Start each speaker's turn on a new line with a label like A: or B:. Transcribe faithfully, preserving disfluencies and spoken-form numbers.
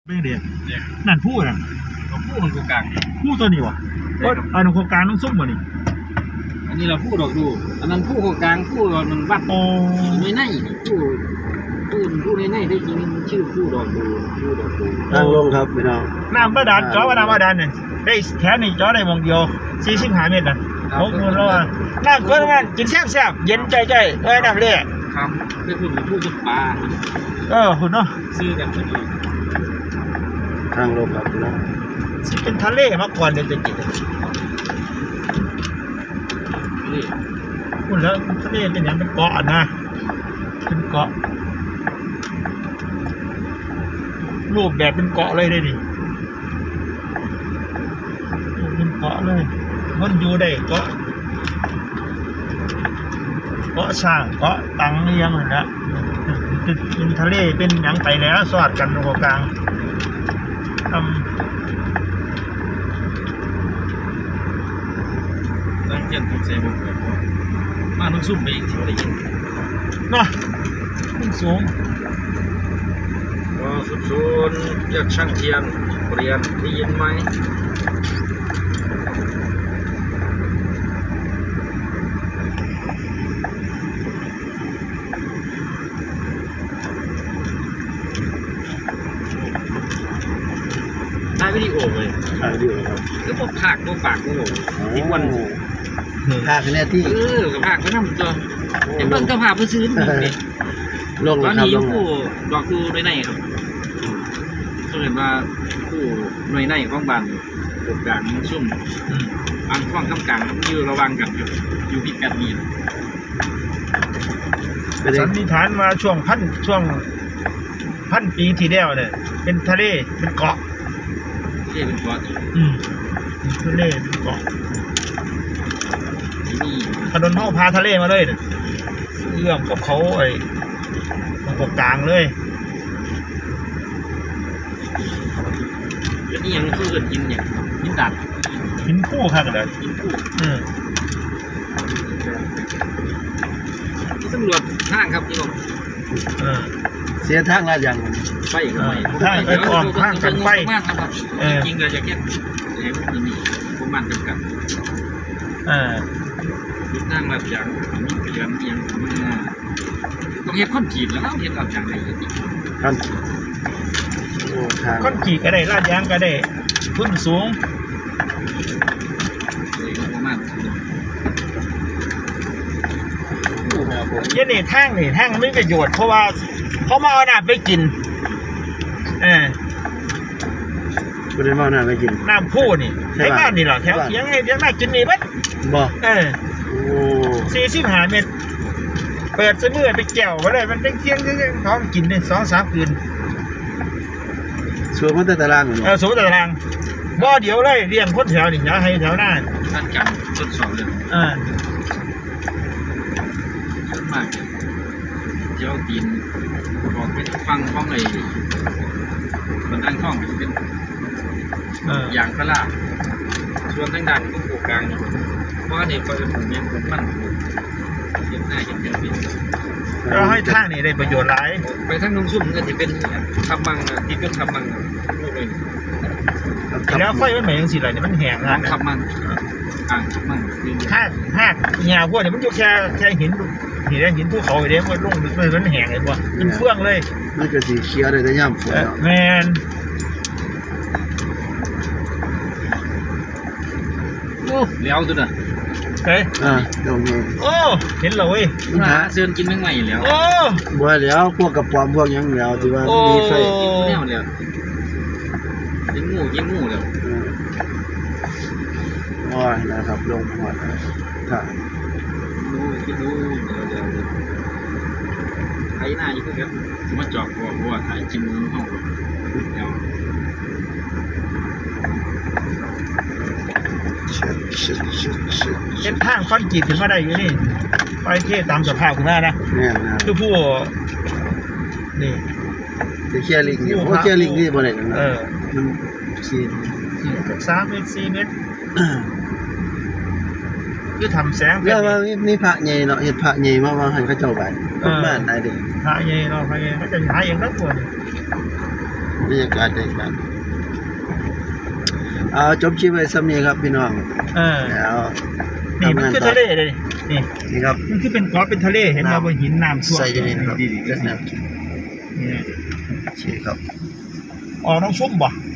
A: ไม่เดียนั่นพูดอ่ะ
B: พูดมันโครงกลาง
A: พูดตัวนี้วะก็อันโครงการต้องซุ่มวะนี่
B: อันนี้เราพูดดอกดูอันนั้นพูดโครงกลางพูดมันวัด
A: โอ้
B: ในในพูดพูดพูดในในได้จริงชื่อพูดดอกดูพูดดอกดู
C: ทางลงครับพี่น้อง
A: น้ำบาดาลจ่อว่าน้ำบาดาลเนี่ยได้แค่นี้จ่อได้วงเดียวสี่สิบห้าเมตรนะหกหมื่นแล้วอ่ะน้ำก็งานกินแซ่บแซ่บเย็นใจใจเอ้ยน้ำเละ
B: ครับไม่พูดพูดกับปลา
A: เออคุณเนาะ
B: ซื้อกันพอดี
C: ทางลงครับพี่น้อง
A: เป็นทะเลมาก่อนเดี๋ยวจะกิน
B: นี่
A: คุณแล้วทะเลเป็นอย่างเป็นเกาะนะเป็นเกาะรูปแบบเป็นเกาะเลยได้ดิเป็นเกาะเลยมันอยู่ได้เกาะเกาะช่างเกาะตังเลี้ยงเลยนะเป็นทะเลเป็นอย่างไปแล้วสอดกันตรงกลางทำ
B: ตั้งเทียนถูกใส่บุกแบบมาต้องซุ่มไปอีกที่ได้ยิน
A: เนาะขึ้นสูง
B: ก็สุดศูนย์เรียกช่างเทียนเรียนได้ยินไหมถ่ายวิดีโอเลย
C: ถ่ายวิดีโอครับ
B: คือพวกภาคพวกปากพวกที่วัน
C: ภาคแน่ที่
B: เออกับภาคก็ทำตัวเห็นเบิ่งกับภาคเพื่อซื้อนี่
C: ลง
B: ตอน
C: ครับ
B: นี้
C: ลง
B: ผู้ดอกผู้ในในครับก็เห็นว่าผู้ในในของบ้านตกกลางซุ่มบางข้องข้างกลางอยู่ระวังกันอยู่อยู่พิกัดนี้
A: สันนิษฐานมาช่วงพันช่วงพันปีที่แล้วเนี่ยเป็นทะเลเป็นเกาะ
B: ทะเลเป็นเกาะ
A: อืมทะเลเป็นเกาะ
B: นี่
A: ถนนห้องพาทะเลมาเลยเอื้อมกับเขาไอ้ตรงกลางเลย
B: แล้วนี่ยังคือเกิดหินเนี่ยหินดัด
A: หินคู่ค่ะกันเลย
B: หินคู่
A: อืม
B: ที่สำรวจทางครับพี่น้อง
C: เสียทางละอย่าง
B: ไฟกันไหม
A: ทางไปก่อนทางกันไฟ
B: มากครับจริงๆเราจะแค่เห็นที่นี่ประมาณจำกัด
A: อ่า
B: ยุทางแบบอย่างนี้เปลี่ยนเอียงต้องเห็นข้นจีบแล้วเห็นแบบอย่างไร
C: ครับ
A: ข้นจีบก็ได้ลาดยางก็ได้ขึ้นสูง
B: ประมาณ
A: ยันนี่แท่งนี่แท่งไม่ประโยชน์เพราะว่าเขามาเอาน้ำไปกินเออ
C: ไม่ได้มาน้ำไปกิน
A: น้ำพูนี่ใช่บ้านนี่หรอแถวเสียงให้เสียงน่ากินนี่มั้ย
C: บ่
A: เออโอ้สี่สิบห้าเมตรเปิดเสมือไปแก้วมาเลยมันเป็นเที่ยงเที่ยงท้องกินได้สองสามคืน
C: สวนมันแต่ตาราง
A: เออสวนแต่ตารางบ่เดี๋ยวเลยเรียงคนแถวนี่อย่าให้แถวหน้า
B: ท่านกันทดสอบเลย
A: อ่า
B: ชัดมากเจ้าตีนบอกเป็นฟังข้องเลยมันตั้งข้องเป็นอย่างพระลาส่วนทางด้านของโครงการเพราะเนี่ยเขาจะผมยังผมมันเย็บหน้าเย็บเย็บเป็น
A: เราให้ทางนี่ได้ประโยชน์หลาย
B: ไปทางนุ่งซุ่มก็จะเป็นคำบังที่เป็นคำบังลูกเลย
A: แล้วไฟมันเหมือนอย่างสิไรเนี่ยมันแห้งอ่ะ
B: คำบังอ่างคำบัง
A: ห้าห้าเงาพวกเนี่ยมันอยู่แค่แค่หินหินแดงหินภูเขาเดี๋ยวมันลงมันแห้งเลยว่ะมันเฟื่องเลย
C: มันก็สีเขียวเลยแต่ย่ำฝน
A: แมน
B: โอ้เลี้ยวตัวน่ะ
A: เฮ้ย
C: อ่าตรงนี้
A: โอ้เห็นเลยเว้ย
B: หาเสื้อกินแมงใหม่แล้ว
A: โอ้
C: บัวแล้วพวกกระป๋อมพวกยังแล้วที่ว่ามีไฟ
B: แนวแล้วยิงงูยิงงูแล้ว
C: โอ้ยนะครับลงหัวค่ะ
B: ดูคิดดูเดี๋ยวเดี๋ยวไถหน้าอยู่เพื่อนสมมติจอกบัวบัวไถกินห้องเดี๋ยว
A: เส้นทางคอนกรีตถึงมาได้อยู่นี่ไปเที่ตามสภาพคุณแม่นะคือผู้นี่
C: จะเคียร์ลิงอยู่เพราะเคียร์ลิงที่บริเวณนั้นมันสี่
A: สามเมตรสี่เมตรคือทำแสง
C: แล้วว่ามีพระใหญ่เนาะเห็ดพระใหญ่มาว่าให้เขาเจ้าไปบ้านไหนเด็ก
A: พระใหญ่เราพระใหญ่เขาจะหาเองทั้งหมด
C: บรรยากาศบรรยากาศเอาจบคลิปไว้ซ้ำนี้ครับพี่น้อง
A: เออ
C: แล้ว
A: นี่มันคือทะเลเลยนี่
C: นี่ครับ
A: มันคือเป็นเกาะเป็นทะเลเห็นไหมบนหินน้ำท่วม
C: ใส่อยู่นี่นะครับ
A: ดีๆ
C: นี่
A: นี่
C: โอเคครับ
A: ออกน้องชุ่มบ่